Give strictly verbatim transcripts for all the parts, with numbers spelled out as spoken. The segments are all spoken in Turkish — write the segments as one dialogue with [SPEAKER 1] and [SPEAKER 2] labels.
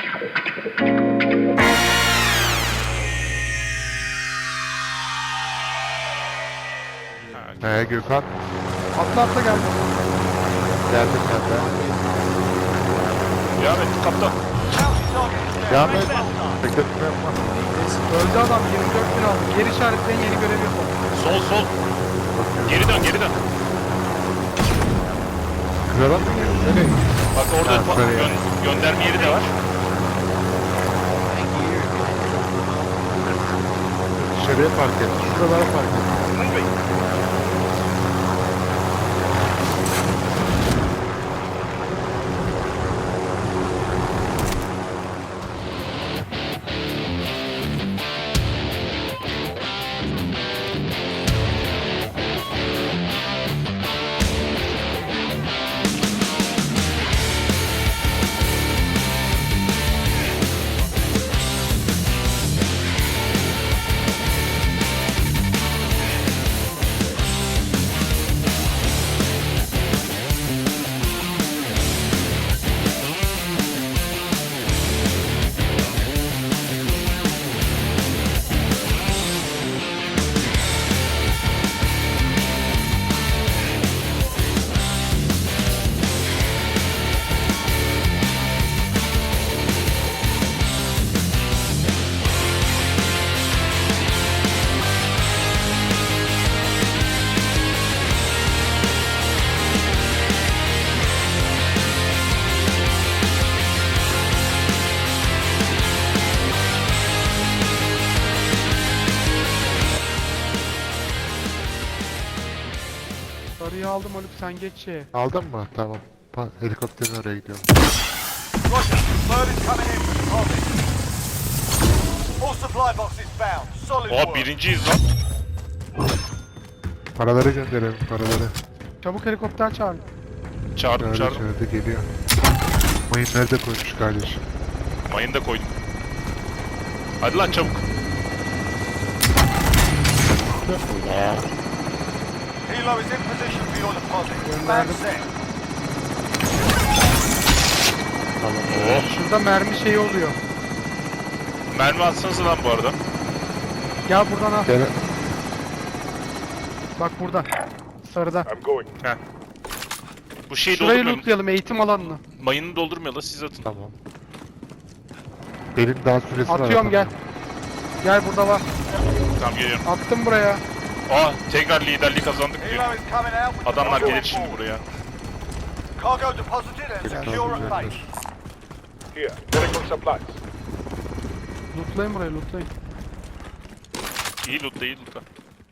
[SPEAKER 1] He Gökhan.
[SPEAKER 2] Atla atla geldi.
[SPEAKER 1] Geldim ben de.
[SPEAKER 3] Devam et kaptan.
[SPEAKER 1] Devam et. Bekletme yapma.
[SPEAKER 2] Öldü adam, yirmi dört bin aldı. Geri işaretleyin, yeni görev yapalım.
[SPEAKER 3] Sol sol. Geri dön geri dön.
[SPEAKER 1] Krala mı gidiyorsun? Nereye?
[SPEAKER 3] Bak orada
[SPEAKER 1] Ha,
[SPEAKER 3] pa-
[SPEAKER 1] şuraya.
[SPEAKER 3] gö- gönderme yeri de var.
[SPEAKER 1] Dışarıya park et. Şuralara park et.
[SPEAKER 2] Sarıyı aldım Haluk, sen geç şeye.
[SPEAKER 1] Aldın mı? Tamam. Pa helikopterin oraya gidiyorum.
[SPEAKER 4] Roger. Bird is coming in for deposit. All supply boxes found. Solid
[SPEAKER 3] Oha
[SPEAKER 4] work.
[SPEAKER 3] birinciyiz lan.
[SPEAKER 1] Paraları gönderelim paraları.
[SPEAKER 2] Çabuk helikopter çağır.
[SPEAKER 3] Çağırdım
[SPEAKER 1] Nerede
[SPEAKER 3] çağırdım.
[SPEAKER 1] çağırdı geliyor. Mayın nerede koymuş kardeşim?
[SPEAKER 3] Mayını da koydum. Hadi lan çabuk.
[SPEAKER 4] Helo is in position for your deposit. Stand
[SPEAKER 2] Gönderdim.
[SPEAKER 4] set.
[SPEAKER 3] Oh.
[SPEAKER 2] Şurada mermi şeyi oluyor.
[SPEAKER 3] Mermi atsanıza lan bu arada.
[SPEAKER 2] Gel buradan al.
[SPEAKER 1] Gel.
[SPEAKER 2] Bak burada. Sarıda.
[SPEAKER 3] Heh. Bu şeyi
[SPEAKER 2] Şurayı
[SPEAKER 3] doldurmayalım.
[SPEAKER 2] lootlayalım, eğitim alanını.
[SPEAKER 3] Mayını doldurmayalım siz atın.
[SPEAKER 1] Tamam. Benim daha süresi var.
[SPEAKER 2] Atıyorum, gel.
[SPEAKER 1] atamıyorum.
[SPEAKER 2] Gel burada var.
[SPEAKER 3] Tamam geliyorum.
[SPEAKER 2] Attım buraya.
[SPEAKER 3] Aa tekrar liderliği kazandık diyor.
[SPEAKER 4] Helo is coming out with
[SPEAKER 3] Adamlar
[SPEAKER 4] the
[SPEAKER 3] gelir
[SPEAKER 4] cargo
[SPEAKER 3] şimdi
[SPEAKER 4] on board.
[SPEAKER 3] buraya.
[SPEAKER 4] Cargo deposited and
[SPEAKER 1] Gel,
[SPEAKER 4] secure at
[SPEAKER 1] gel,
[SPEAKER 4] base.
[SPEAKER 1] gel.
[SPEAKER 5] Here, medical supplies.
[SPEAKER 2] Lootlayın burayı, lootlayın.
[SPEAKER 3] İyi lootla iyi lootla.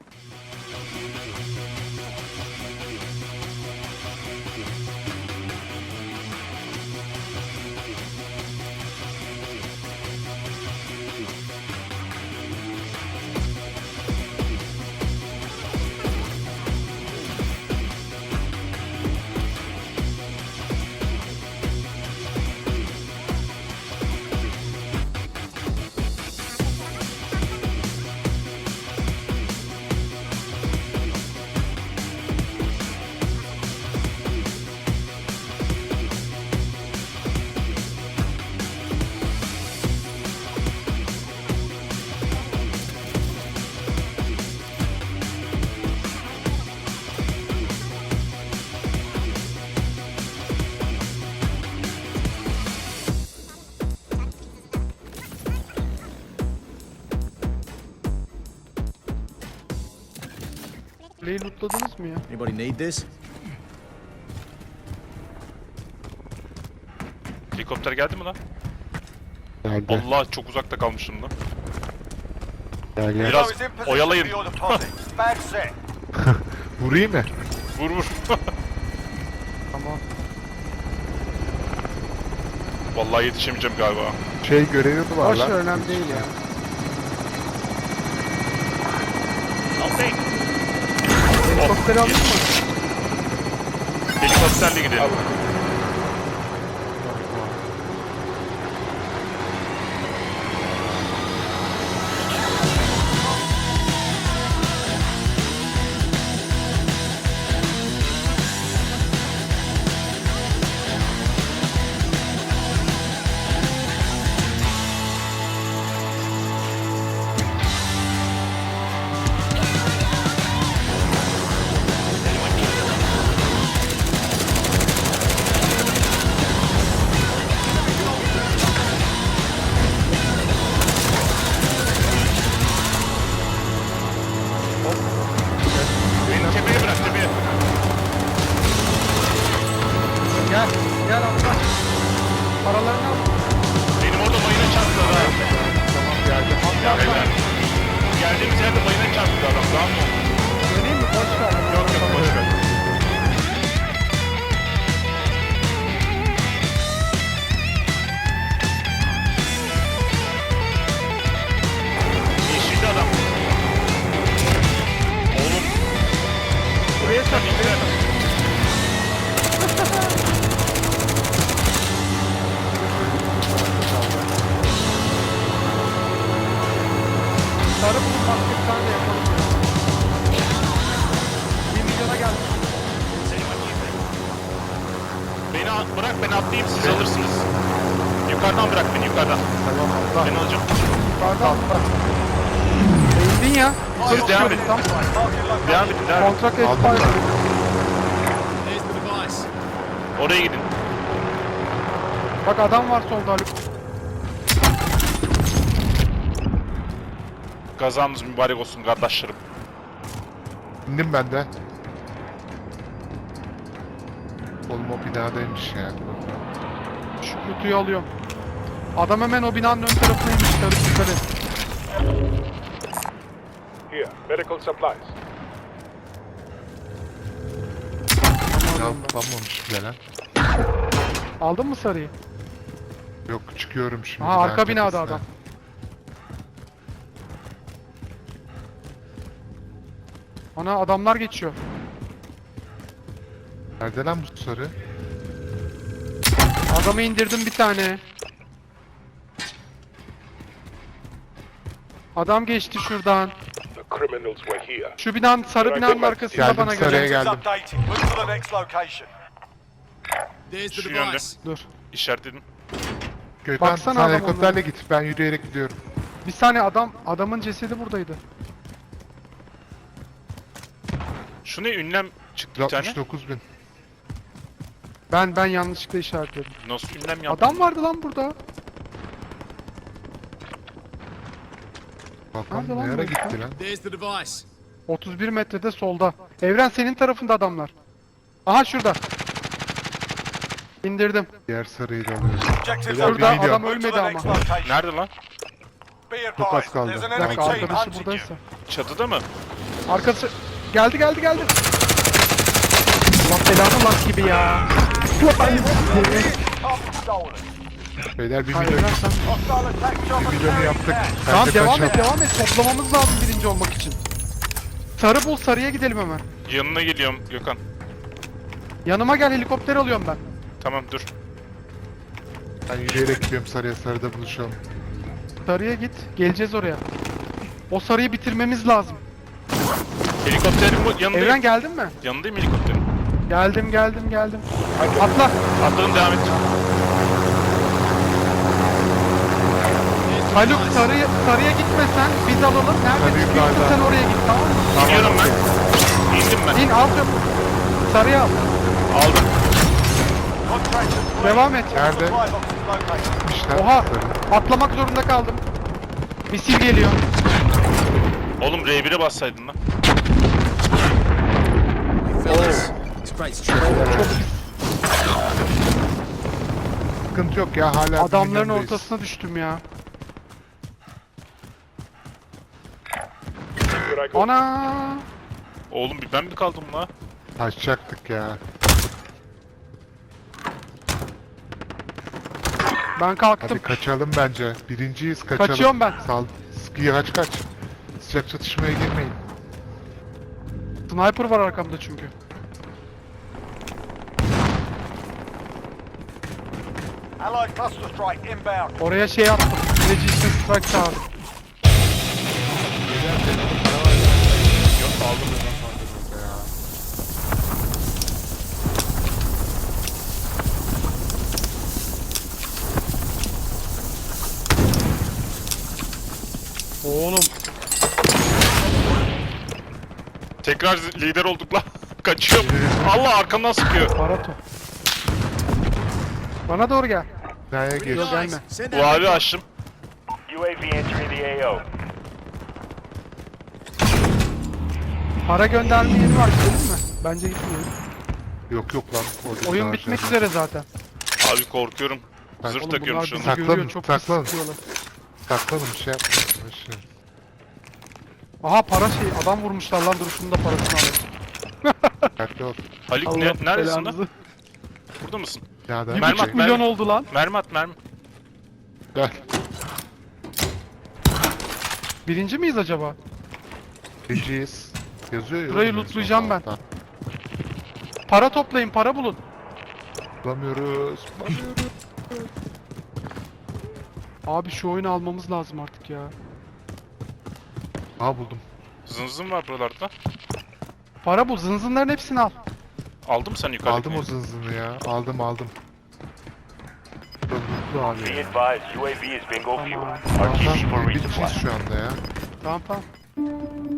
[SPEAKER 2] Kuleyi lootladınız mı ya?
[SPEAKER 6] Anybody need this?
[SPEAKER 3] Helikopter geldi mi lan?
[SPEAKER 1] Geldi.
[SPEAKER 3] Allah çok uzakta kalmışım lan.
[SPEAKER 1] Gel gel.
[SPEAKER 3] Biraz
[SPEAKER 4] Helo is in position
[SPEAKER 3] oyalayın.
[SPEAKER 4] for your deposit. Stand set.
[SPEAKER 1] Vurayım mı?
[SPEAKER 3] Vur vur.
[SPEAKER 2] Tamam.
[SPEAKER 3] Vallahi yetişemeyeceğim galiba.
[SPEAKER 1] Şey görevi mi var
[SPEAKER 2] Boş
[SPEAKER 1] lan?
[SPEAKER 2] ver, önemli değil ya. Helikopteri aldın mı?
[SPEAKER 3] Helikopterle gidelim.
[SPEAKER 2] başka bir tane de yapalım. Bir milyona geldik.
[SPEAKER 3] Beni a- bırak, ben atlayayım, siz alırsınız. Yukarıdan bırak beni, yukarıdan.
[SPEAKER 1] Tamam atla.
[SPEAKER 3] Ben alacağım.
[SPEAKER 2] Yukarıda atla. Eğildin ya.
[SPEAKER 3] Siz
[SPEAKER 2] Yukarı
[SPEAKER 3] devam
[SPEAKER 2] çıkıyoruz,
[SPEAKER 3] edin.
[SPEAKER 2] tamam.
[SPEAKER 3] Devam edin, devam edin.
[SPEAKER 2] Kontrak
[SPEAKER 1] Aldım
[SPEAKER 2] expired.
[SPEAKER 6] There's the device.
[SPEAKER 3] Oraya gidin.
[SPEAKER 2] Bak adam var solda Haluk.
[SPEAKER 3] Gazamız mübarek olsun kardeşlerim.
[SPEAKER 1] İndim ben de. Oğlum o binadaymış ya.
[SPEAKER 2] Şu kutuyu alıyorum. Adam hemen o binanın ön tarafına inmiş. Haluk yukarı.
[SPEAKER 5] Here, medical supplies.
[SPEAKER 1] Ya kullanmamış bile lan.
[SPEAKER 2] Aldın mı sarıyı?
[SPEAKER 1] Yok çıkıyorum şimdi.
[SPEAKER 2] Aha arka
[SPEAKER 1] binanın
[SPEAKER 2] binada
[SPEAKER 1] tepesine.
[SPEAKER 2] adam. Ana adamlar geçiyor.
[SPEAKER 1] Nerede lan bu sarı?
[SPEAKER 2] Adamı indirdim bir tane. Adam geçti şuradan.
[SPEAKER 5] The criminals were here.
[SPEAKER 2] Şu binanın, sarı binanın arkasında
[SPEAKER 1] Geldim,
[SPEAKER 2] bana
[SPEAKER 1] sarıya
[SPEAKER 2] göre.
[SPEAKER 1] geldim.
[SPEAKER 4] Updating. Move to the next location.
[SPEAKER 6] There's the
[SPEAKER 3] Şu yönde.
[SPEAKER 6] device.
[SPEAKER 2] Dur.
[SPEAKER 3] İşaretledim.
[SPEAKER 1] Gökhan
[SPEAKER 2] Baksana
[SPEAKER 1] sen
[SPEAKER 2] adam
[SPEAKER 1] helikopterle git. Ben yürüyerek gidiyorum.
[SPEAKER 2] Bir saniye adam, adamın cesedi buradaydı.
[SPEAKER 3] Şu ne, ünlem çıktı bir tane.
[SPEAKER 1] altmış dokuz bin.
[SPEAKER 2] Ben ben yanlışlıkla işaretledim.
[SPEAKER 3] Nasıl ünlem yaptın?
[SPEAKER 2] Adam vardı lan burada.
[SPEAKER 1] Bakalım
[SPEAKER 2] Nerede lan
[SPEAKER 1] ne
[SPEAKER 2] bu
[SPEAKER 1] ara
[SPEAKER 2] herif
[SPEAKER 1] gitti lan.
[SPEAKER 6] There's the device.
[SPEAKER 2] otuz bir metrede solda. Evren senin tarafında adamlar. Aha şurada. İndirdim.
[SPEAKER 1] Diğer sarıyı da alıyoruz.
[SPEAKER 4] Objective
[SPEAKER 1] Beyler,
[SPEAKER 2] Şurada
[SPEAKER 1] bir milyon.
[SPEAKER 2] adam
[SPEAKER 4] Move to
[SPEAKER 2] ölmedi
[SPEAKER 4] the
[SPEAKER 2] ama.
[SPEAKER 4] next location.
[SPEAKER 3] Nerede lan?
[SPEAKER 4] Be
[SPEAKER 1] Çok az
[SPEAKER 4] advised,
[SPEAKER 1] kaldı.
[SPEAKER 4] there's an
[SPEAKER 2] Bir
[SPEAKER 4] enemy
[SPEAKER 2] dakika
[SPEAKER 4] team
[SPEAKER 2] arkadaşı
[SPEAKER 4] hunting you.
[SPEAKER 2] buradaysa.
[SPEAKER 3] Çatıda mı?
[SPEAKER 2] Arkası geldi geldi geldi. Allah belanı lak gibi ya.
[SPEAKER 4] Up stolen.
[SPEAKER 1] Beyler bir
[SPEAKER 2] Hayır,
[SPEAKER 1] milyon,
[SPEAKER 2] Evren sen-
[SPEAKER 4] Hostile attack
[SPEAKER 1] bir
[SPEAKER 4] chopper
[SPEAKER 1] milyonu
[SPEAKER 4] carrying
[SPEAKER 1] yaptık.
[SPEAKER 4] cash.
[SPEAKER 1] Ben
[SPEAKER 2] Tamam
[SPEAKER 1] de
[SPEAKER 2] devam et
[SPEAKER 1] kaçalım.
[SPEAKER 2] devam et. Toplamamız lazım birinci olmak için. Sarı bul, sarıya gidelim hemen.
[SPEAKER 3] Yanına geliyorum Gökhan.
[SPEAKER 2] Yanıma gel, helikopter alıyorum ben.
[SPEAKER 3] Tamam dur.
[SPEAKER 1] Ben yürüyerek gidiyorum sarıya, sarıda buluşalım.
[SPEAKER 2] Sarıya git. Geleceğiz oraya. O sarıyı bitirmemiz lazım.
[SPEAKER 3] Helikopterin bu yanındayım.
[SPEAKER 2] Evren geldin mi?
[SPEAKER 3] Yanındayım helikopterin.
[SPEAKER 2] Geldim geldim geldim. Atla.
[SPEAKER 3] Atladım, devam et.
[SPEAKER 2] Haluk sarıya, sarıya gitmesen biz alalım. Nerede
[SPEAKER 1] Sarıyı
[SPEAKER 2] çıkıyorsun
[SPEAKER 1] yukarıda.
[SPEAKER 2] sen oraya git, tamam mı?
[SPEAKER 3] Gidiyorum ben. İndim ben.
[SPEAKER 2] İn al çabuk. Sarıya al.
[SPEAKER 3] Aldım.
[SPEAKER 4] Contractors,
[SPEAKER 2] Devam et.
[SPEAKER 1] Nerede?
[SPEAKER 4] supply boxes located.
[SPEAKER 1] İşte
[SPEAKER 2] Oha.
[SPEAKER 1] sarı.
[SPEAKER 2] Atlamak zorunda kaldım. Misil geliyor.
[SPEAKER 3] Oğlum R bir'e bassaydın lan.
[SPEAKER 6] Fellas, it's great to try.
[SPEAKER 1] Sıkıntı yok ya, hala bir
[SPEAKER 2] Adamların
[SPEAKER 1] milyondayız.
[SPEAKER 2] ortasına düştüm ya.
[SPEAKER 5] Here I go.
[SPEAKER 2] Ana.
[SPEAKER 3] Oğlum bir ben mi kaldım la?
[SPEAKER 1] Kaçacaktık ya.
[SPEAKER 2] Ben kalktım.
[SPEAKER 1] Hadi kaçalım bence. Birinciyiz, kaçalım.
[SPEAKER 2] Kaçıyorum ben.
[SPEAKER 1] Sal. Sıkıya kaç kaç. Sıcak çatışmaya girmeyin.
[SPEAKER 2] Sniper var arkamda çünkü.
[SPEAKER 4] Allied cluster strike inbound.
[SPEAKER 2] Oraya şey attım. Resistance strike çağırdım.
[SPEAKER 3] Yok aldım.
[SPEAKER 2] Oğlum.
[SPEAKER 3] Tekrar lider olduk la. Kaçıyorum. Allah arkamdan sıkıyor.
[SPEAKER 2] Barato. Bana doğru gel.
[SPEAKER 1] Nereye geç?
[SPEAKER 2] Yok gelme.
[SPEAKER 6] Send
[SPEAKER 3] Bu
[SPEAKER 6] out
[SPEAKER 3] abi açtım.
[SPEAKER 7] U A V entering the A O.
[SPEAKER 2] Para gönderme yeri var, gidelim mi? Bence gitmeyelim.
[SPEAKER 1] Yok yok lan. orada
[SPEAKER 2] Oyun
[SPEAKER 1] daha
[SPEAKER 2] bitmek
[SPEAKER 1] şey.
[SPEAKER 2] üzere zaten.
[SPEAKER 3] Abi korkuyorum.
[SPEAKER 1] Ben-
[SPEAKER 3] Zırh
[SPEAKER 2] Oğlum
[SPEAKER 3] takıyorum
[SPEAKER 2] bunlar
[SPEAKER 3] şu
[SPEAKER 2] bizi
[SPEAKER 3] anda.
[SPEAKER 1] Saklanın,
[SPEAKER 2] görüyor, çok pis
[SPEAKER 1] saklanın.
[SPEAKER 2] sıkıyorlar.
[SPEAKER 1] Saklanın, bir şey yapmayın. Başlayın.
[SPEAKER 2] Aha para şey, adam vurmuşlar lan, dur şunun da parasını alalım.
[SPEAKER 1] Dikkatli ol.
[SPEAKER 3] Haluk
[SPEAKER 2] Allah
[SPEAKER 3] ne, neredesin lan?
[SPEAKER 2] belanızı.
[SPEAKER 3] Burada mısın?
[SPEAKER 1] Ya da
[SPEAKER 2] Bir
[SPEAKER 3] Mermi
[SPEAKER 2] buçuk
[SPEAKER 3] at,
[SPEAKER 2] milyon
[SPEAKER 3] mermi.
[SPEAKER 2] oldu lan.
[SPEAKER 3] Mermi at mermi.
[SPEAKER 1] Gel.
[SPEAKER 2] Birinci miyiz acaba?
[SPEAKER 1] Birinciyiz. Yazıyor ya.
[SPEAKER 2] Burayı
[SPEAKER 1] oğlum en
[SPEAKER 2] lootlayacağım
[SPEAKER 1] son
[SPEAKER 2] ben.
[SPEAKER 1] altta.
[SPEAKER 2] Para toplayın, para bulun.
[SPEAKER 1] Bulamıyoruz. Bulamıyoruz.
[SPEAKER 2] Abi şu oyunu almamız lazım artık ya.
[SPEAKER 1] Aha buldum.
[SPEAKER 3] Zınzın var buralarda.
[SPEAKER 2] Para bul. Zınzınların hepsini al.
[SPEAKER 3] Aldın mı sen yukarıdakini?
[SPEAKER 1] Aldım o zınzını ya. Aldım aldım. Burada mutlu abi
[SPEAKER 7] Be
[SPEAKER 1] ya.
[SPEAKER 7] advised, U A V is bingo fuel.
[SPEAKER 2] Tamam.
[SPEAKER 7] R T B for
[SPEAKER 1] Tamam,
[SPEAKER 7] resupply.
[SPEAKER 1] bitmişiz şu anda ya.
[SPEAKER 2] Tamam tamam.